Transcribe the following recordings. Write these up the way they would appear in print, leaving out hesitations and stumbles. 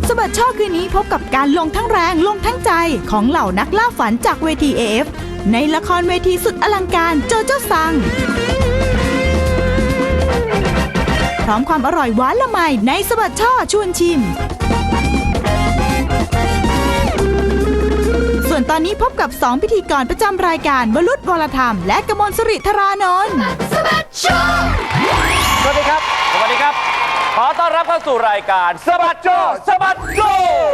สบัดช่อคืนนี้พบกับการลงทั้งแรงลงทั้งใจของเหล่านักล่าฝันจากเวที AF ในละครเวทีสุดอลังการโจโจ้ซังพร้อมความอร่อยหวานละไมในสบัดช่อชวนชิมส่วนตอนนี้พบกับ2พิธีกรประจำรายการวรุษ วรธรรมและกมลสิริธารานนท์สวัสดีครับสวัสดีครับขอต้อนรับเข้าสู่รายการสบัดโจสบัดโจ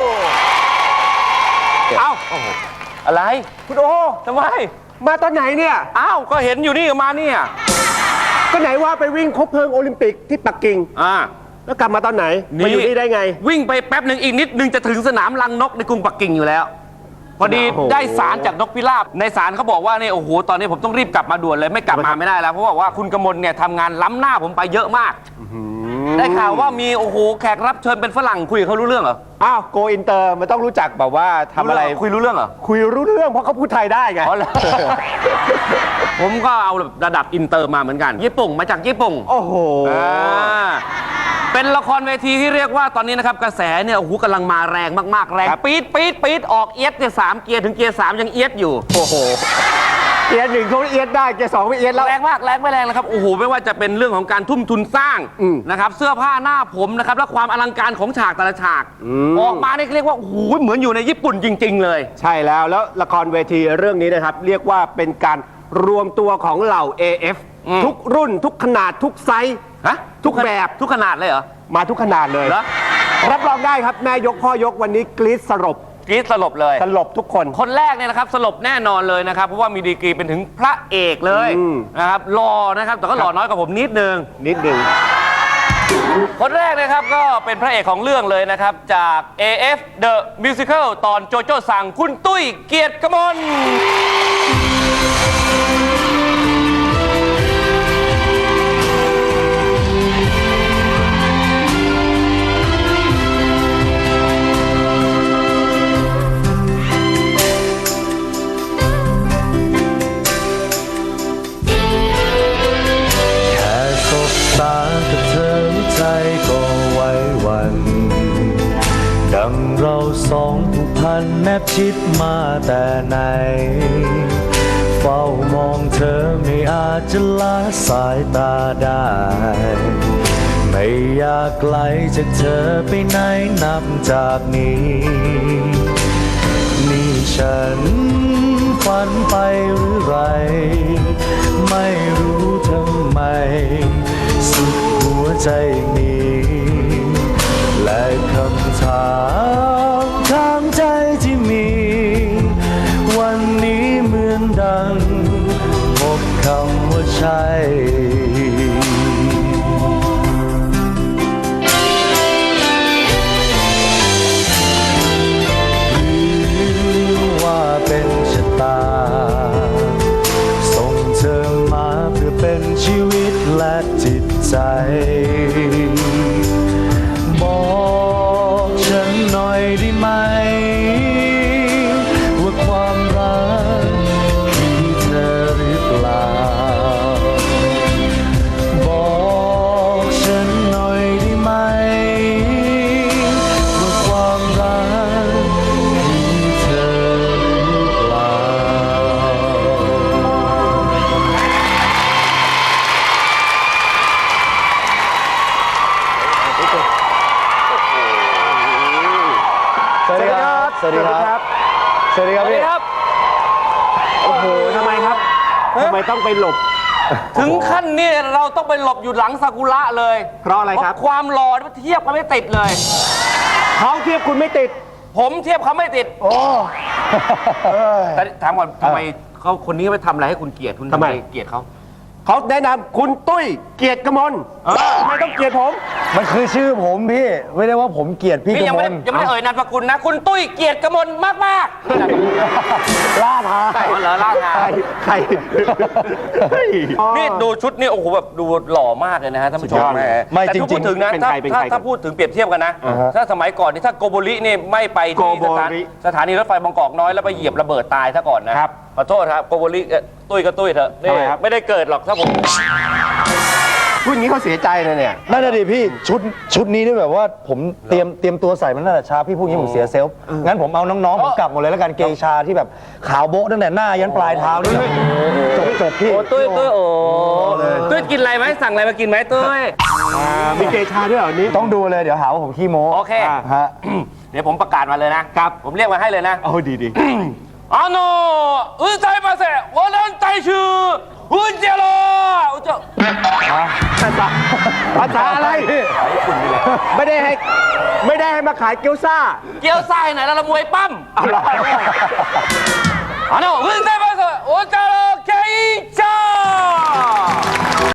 เอ้าอะไรคุณโอทำไมมาตอนไหนเนี่ยอ้าวก็เห็นอยู่นี่มาเนี่ยก็ไหนว่าไปวิ่งคบเพลิงโอลิมปิกที่ปักกิ่งแล้วกลับมาตอนไหนมาอยู่นี่ได้ไงวิ่งไปแป๊บหนึ่งอีกนิดนึงจะถึงสนามรังนกในกรุงปักกิ่งอยู่แล้วพอดีได้สารจากนกพิราบในสารเขาบอกว่าเนี่ยโอ้โหตอนนี้ผมต้องรีบกลับมาด่วนเลยไม่กลับมาไม่ได้แล้วเพราะว่าคุณกมลเนี่ยทำงานล้ำหน้าผมไปเยอะมากได้ข่าวว่ามีโอ้โหแขกรับเชิญเป็นฝรั่งคุยกับเขารู้เรื่องเหรออ้าวโกอินเตอร์มันต้องรู้จักแบบว่าทำอะไรคุยรู้เรื่องเหรอคุยรู้เรื่องเพราะเขาพูดไทยได้ไงผมก็เอาระดับอินเตอร์มาเหมือนกันญี่ปุ่นมาจากญี่ปุ่นโอ้โหเป็นละครเวทีที่เรียกว่าตอนนี้นะครับกระแสเนี่ยโอ้โหกำลังมาแรงมากๆแรงปี๊ดออกเอียดเนี่ย3 เกียร์ถึงเกียร์ 3ยังเอียดอยู่โอ้โหเกียร์ 1เขาเอียดได้เกียร์ 2ไม่เอียดแล้วแรงมากแรงไม่แรงนะครับโอ้โหไม่ว่าจะเป็นเรื่องของการทุ่มทุนสร้างนะครับเสื้อผ้าหน้าผมนะครับและความอลังการของฉากแต่ละฉากออกมาเนี่ยเรียกว่าโอ้โหเหมือนอยู่ในญี่ปุ่นจริงๆเลยใช่แล้วละครเวทีเรื่องนี้นะครับเรียกว่าเป็นการรวมตัวของเหล่า AF ทุกรุ่นทุกขนาดทุกไซส์ทุกแบบทุกขนาดเลยเหรอมาทุกขนาดเลยรับรองได้ครับแม่ยกพ่อยกวันนี้กรี๊ดสลบเลยสลบทุกคนแรกเนี่ยนะครับสลบแน่นอนเลยนะครับเพราะว่ามีดีกรีเป็นถึงพระเอกเลยนะครับหล่อนะครับแต่ก็หล่อน้อยกว่าผมนิดนึงคนแรกนะครับก็เป็นพระเอกของเรื่องเลยนะครับจาก AF The Musical ตอนโจโจ้ซังคุณตุ้ยเกียรติกมลดังเราสองผูกพันแนบชิดมาแต่ไหนเฝ้ามองเธอไม่อาจจะละสายตาได้ไม่อยากไกลจากเธอไปไหนนับจากนี้นี่ฉันฝันไปหรือไรไม่รู้ทำไมสุดหัวใจนี้และคำถามทางใจที่มีวันนี้เหมือนดังพบคำว่าใช่หรือว่าเป็นชะตาส่งเธอมาเพื่อเป็นชีวิตและจิตใจบอกฉันหน่อยได้ไหมว่าความรักคือเธอหรือเปล่าบอกฉันหน่อยได้ไหมว่าความรักคือเธอหรือเปล่าสวัสดีครับสวัสดีครับโอ้โหทำไมครับทำไมต้องไปหลบถึงขั้นนี้เราต้องไปหลบอยู่หลังซากุระเลยเพราะอะไรครับความหล่อเทียบกันไม่ติดเลยเขาเทียบคุณไม่ติดผมเทียบเขาไม่ติดโอ้แต่ถามก่อนทำไมเขาคนนี้ไปทำอะไรให้คุณเกลียดคุณทำไมเกลียดเขาแนะนำคุณตุ้ยเกียรติกมลทำไมต้องเกลียดผมมันคือชื่อผมพี่ไม่ได้ว่าผมเกลียดพี่กมลยังไม่ได้เอ่ยนามสกุลนะคุณตุ้ยเกียรติกมลมากล่าทาเหรอล่าทาใครนี่ดูชุดนี่โอ้โหแบบดูหล่อมากเลยนะฮะท่านผู้ชมไม่จริงพูดถึงนะถ้าพูดถึงเปรียบเทียบกันนะถ้าสมัยก่อนนี่ถ้าโกโบรินี่ไม่ไปที่สถานีรถไฟบางกอกน้อยแล้วไปเหยียบระเบิดตายซะก่อนนะขอโทษครับโกโบริตุ้ยก็ตุ้ยเถอะนี่ไม่ได้เกิดหรอกถ้าผมพูดอย่างนี้เขาเสียใจนะเนี่ยนั่นน่ะดิพี่ชุดนี้นี่แบบว่าผมเตรียมตัวใส่มันตั้งแต่เช้าพี่พูดอย่างนี้ผมเสียเซลฟ์งั้นผมเอาน้องๆผมกลับหมดเลยแล้วกันเกชาที่แบบขาวโบ๊ะตั้งแต่หน้ายันปลายเท้านี่จบพี่โอ้ตุ้ยโอ้ตุ้ยกินอะไรไหมสั่งอะไรมากินไหมตุ้ยมีเกชาด้วยเหรอนี้ต้องดูเลยเดี๋ยวหาว่าผมขี้โม้โอเคฮะเดี๋ยวผมประกาศมาเลยนะครับ ผมเรียกมาให้เลยนะเอาดีうるさいませ我々大衆うじゃろうじゃภาษาอะไร ไม่ได้ให้มาขายเกี๊ยวซ่าเกี๊ยวซ่าไหนแล้วละมวยปั้มうるさいませおじゃろうケイチャー